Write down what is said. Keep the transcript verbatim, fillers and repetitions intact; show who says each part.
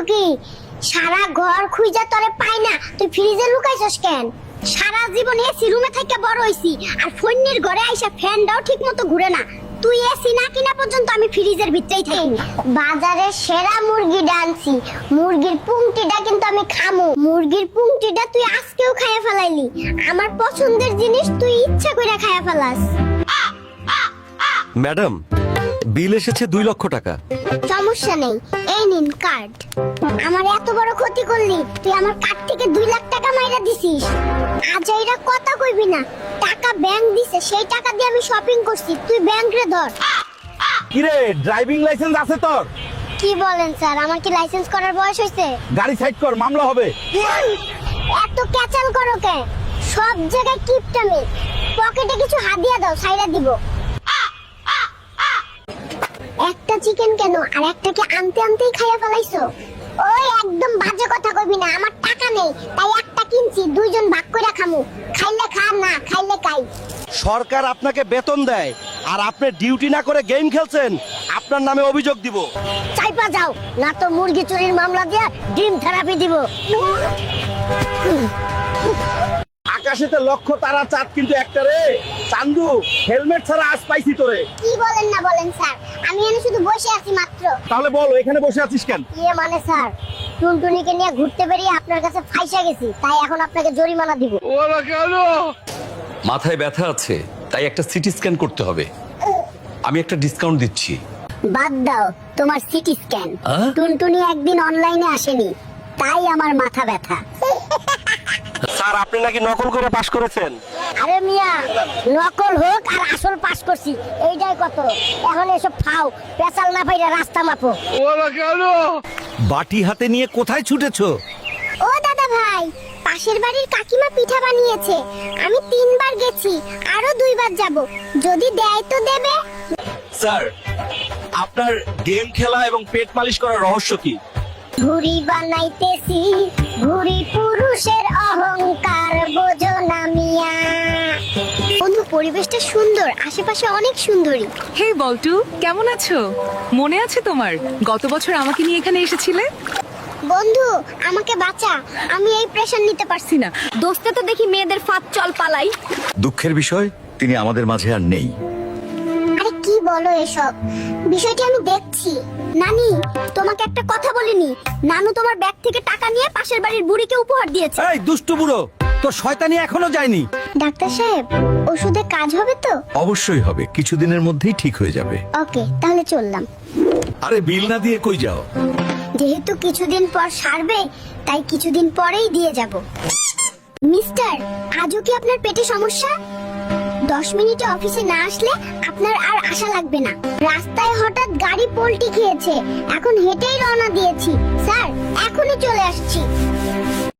Speaker 1: কি সারা ঘর খুঁজা তোরে পাই না, তুই ফ্রিজে লুকাইছস কেন? সারা জীবন এসি রুমে থেকে বড় হইছি, আর ফোনের ঘরে আইসা ফ্যানটাও ঠিক মতো ঘুরে না। তুই এসি না কিনা পর্যন্ত আমি ফ্রিজের ভিতরেই থাকি। বাজারে সেরা মুরগি ডানছি, মুরগির পুংটিটা কিন্তু আমি খামু। মুরগির পুংটিটা তুই আজকেও খাইয়া ফেলাইলি। আমার পছন্দের জিনিস তুই ইচ্ছা করে খাইয়া ফেলাস।
Speaker 2: ম্যাডাম, বিল এসেছে দুই লক্ষ টাকা।
Speaker 1: সমস্যা নেই, এই নিন কার্ড। আমার এত বড় ক্ষতি করলি, তুই আমার কার্ড থেকে দুই লাখ টাকা মাইরা দিছিস। আজ এরা কথা কইবি না, টাকা ব্যাংক দিছে, সেই টাকা দিয়ে আমি শপিং করছি, তুই ব্যাংক রে ধর।
Speaker 3: কিরে, ড্রাইভিং লাইসেন্স আছে তোর?
Speaker 1: কি বলেন স্যার, আমার কি লাইসেন্স করার বয়স হইছে?
Speaker 3: গাড়ি সাইড কর, মামলা হবে।
Speaker 1: এত ক্যাচাল করো কে? সব জায়গায় কিপটামি। পকেটে কিছু হাদিয়া দাও, সাইরা দিব। একটা চিকেন কেন, আর একটাকে আনতে আনতেই খাইয়া ফেলাইছো? ওই একদম বাজে কথা কইবি না, আমার টাকা নেই তাই একটা কিনছি, দুইজন ভাগ কইরা খামু। খাইলে খা, না খাইলে খাই।
Speaker 2: সরকার আপনাকে বেতন দেয় আর আপনি ডিউটি না করে গেম খেলছেন, আপনার নামে অভিযোগ দিব।
Speaker 1: চাইপা যাও, না তো মুরগি চুরির মামলা দিয়া ডিম থেরাপি দিব।
Speaker 3: আকাশেতে লক্ষ তারা, চাঁদ কিন্তু একটা রে। চান্দু, হেলমেট ছাড়া আজ পাইছি তোরে।
Speaker 1: কি বলেন না বলেন স্যার, আমি এখানে শুধু বসে আছি মাত্র।
Speaker 3: তাহলে বল, এখানে বসে আছিস কেন?
Speaker 1: ইয়ে মানে স্যার, টুনটুনিকে নিয়ে ঘুরতে বেরিয়ে আপনার কাছে ফাইসা গেছি, তাই এখন আপনাকে জরিমানা দিব।
Speaker 4: মাথায় ব্যথা আছে, তাই একটা সিটি স্ক্যান করতে হবে। আমি একটা ডিসকাউন্ট দিচ্ছি।
Speaker 1: বাদ দাও তোমার সিটি স্ক্যান।
Speaker 4: আহ?
Speaker 1: টুনটুনি একদিন অনলাইনে আসেনি, তাই আমার মাথা ব্যথা।
Speaker 2: স্যার, আপনি নাকি নকল করে পাশ করেছেন।
Speaker 1: আরে মিয়া, নকল হোক আর আসল পাস করছি, এইটাই কত। এখন এসব ফাও পেছাল না পাইরা রাস্তা মাপো।
Speaker 5: বাটি হাতে নিয়ে কোথায় ছুটেছো?
Speaker 1: ও দাদা ভাই, পাশের বাড়ির কাকিমা পিঠা বানিয়েছে, আমি তিনবার গেছি, আরো দুইবার যাব, যদি দেয় তো দেবে।
Speaker 2: স্যার, আপনার গেম খেলা এবং পেট মালিশ করার রহস্য কি?
Speaker 1: ভুড়ি বানাইতেছি, ভুড়ি পুরুষের অহংকার বোঝো না মিয়া। বন্ধু, পরিবেশটা সুন্দর, আশেপাশে অনেক সুন্দরী।
Speaker 6: হে বল্টু, কেমন আছো? মনে আছে তোমার গত বছর আমাকে নিয়ে এখানে এসেছিলে?
Speaker 1: বন্ধু আমাকে বাঁচা, আমি এই প্রেশার নিতে পারছি না। দোস্তে তো দেখি মেয়েদের ফাঁদ, চল পালাই।
Speaker 5: দুঃখের বিষয়, তিনি আমাদের মাঝে আর নেই।
Speaker 1: আরে কি বলো এসব? বিষয়টি আমি দেখছি। নানি, তোমাকে একটা কথা বলিনি, নানু তোমার ব্যাগ থেকে টাকা নিয়ে পাশের বাড়ির বুড়িকে উপহার দিয়েছে।
Speaker 5: এই দুষ্টু বুড়ো, তোর শয়তানি এখনো যায়নি।
Speaker 1: ডাক্তার সাহেব, ওষুধে কাজ হবে তো?
Speaker 5: অবশ্যই হবে, কিছুদিনের মধ্যেই ঠিক হয়ে যাবে।
Speaker 1: ওকে, তাহলে চললাম।
Speaker 5: আরে বিল না দিয়ে কই যাও?
Speaker 1: যেহেতু কিছুদিন পর সারবে, তাই কিছুদিন পরেই দিয়ে যাব। মিস্টার, আজও কি আপনার পেটে সমস্যা? দশ মিনিটে অফিসে না আসলে আপনার আর আশা লাগবে না। রাস্তায় হঠাৎ গাড়ি পল্টি খেয়েছে, এখন হেঁটেই রওনা দিয়েছি। স্যার, এখনই চলে আসছি।